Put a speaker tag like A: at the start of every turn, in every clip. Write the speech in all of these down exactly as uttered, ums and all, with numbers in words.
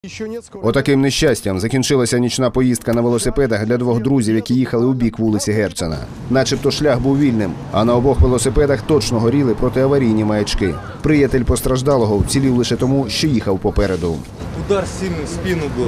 A: Отаким нещастям закінчилася нічна поїздка на велосипедах для двох друзів, які їхали у бік вулиці Герцена. Начебто шлях був вільним, а на обох велосипедах точно горіли протиаварійні маячки. Приятель постраждалого вцілів лише тому, що їхав попереду.
B: Удар сильный в спину был.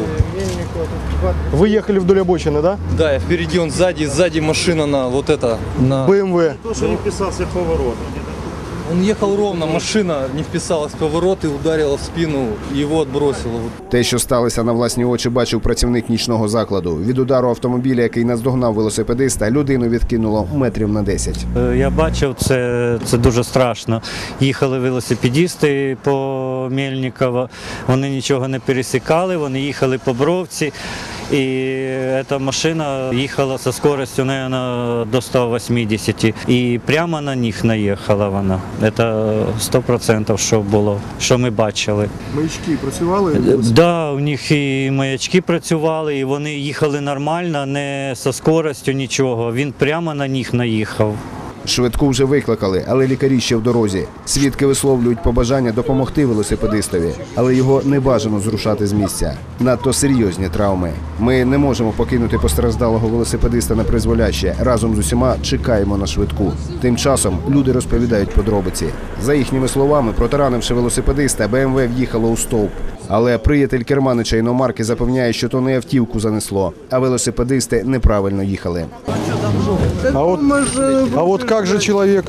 C: Вы ехали вдоль обочины, да?
B: Да, я впереди, он сзади, сзади машина на вот это, на...
C: бэ эм вэ.
D: То, что не вписался в поворот.
B: Он ехал ровно, машина не вписалась в поворот и ударила в спину, его отбросило.
A: Те, що сталося на власні очі, бачив працівник нічного закладу. Від удару автомобіля, який наздогнав велосипедиста, людину відкинуло метрів на десять.
E: Я бачив, це, це дуже страшно. Їхали велосипедисти по Мельниково, вони нічого не пересікали, вони їхали по Бровці. І ця машина їхала зі швидкістю, мабуть, до ста вісімдесят. І прямо на них наїхала вона. Це сто відсотків, що було, що ми бачили.
C: Маячки працювали?
E: Так, да, у них і маячки працювали, і вони їхали нормально, не зі швидкістю, нічого. Він прямо на них наїхав.
A: Швидку вже викликали, але лікарі ще в дорозі. Свідки висловлюють побажання допомогти велосипедистові, але його не бажано зрушати з місця. Надто серйозні травми. Ми не можемо покинути постраждалого велосипедиста на призволяще. Разом з усіма чекаємо на швидку. Тим часом люди розповідають подробиці. За їхніми словами, протаранивши велосипедиста, бэ эм вэ в'їхало у стовп. Але приятель керманича іномарки запевняє, що то не автівку занесло, а велосипедисти неправильно їхали.
C: А вот, а вот как же человек,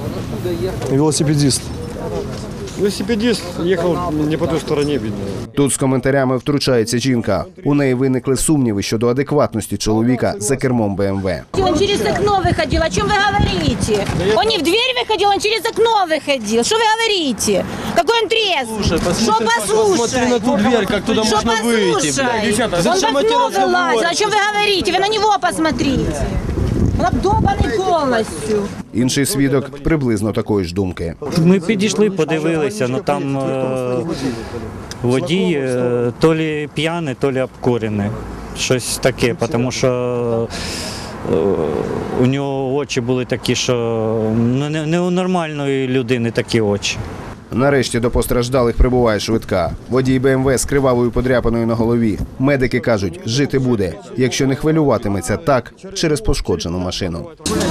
C: велосипедист?
D: Велосипедист ехал не по той стороне, видно.
A: Тут з коментарями втручається жінка. У неї виникли сумніви щодо адекватності чоловіка за кермом бэ эм вэ.
F: Он через окно выходил, о чем вы говорите? Он не в дверь выходил, он через окно выходил. Что вы говорите? Какой он трезв? Что послушай?
B: Посмотри на ту дверь, как туда
F: Что
B: можно выйти,
F: послушай?
B: блядь. Девчата,
F: Он в
B: зачем эти
F: окно
B: разговоры?
F: вылазил, о чем вы говорите? Вы на него посмотрите. Он обдолбанный полностью.
A: Інший свідок приблизно такої ж думки.
E: Ми підійшли, подивилися, але там е, водій е, то лі п'яний, то лі обкурений. Щось таке, тому що е, у нього очі були такі, що ну, не, не у нормальної людини такі очі.
A: Нарешті до постраждалих прибуває швидка. Водій бэ эм вэ з кривавою подряпаною на голові. Медики кажуть, жити буде, якщо не хвилюватиметься так через пошкоджену машину.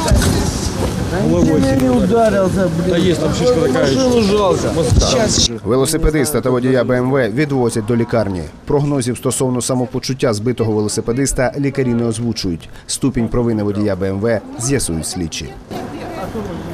B: Да есть там шишка такая.
A: Велосипедиста та водія бэ эм вэ відвозять до лікарні. Прогнозів стосовно самопочуття збитого велосипедиста лікарі не озвучують. Ступінь провини водія бэ эм вэ з'ясують слідчі.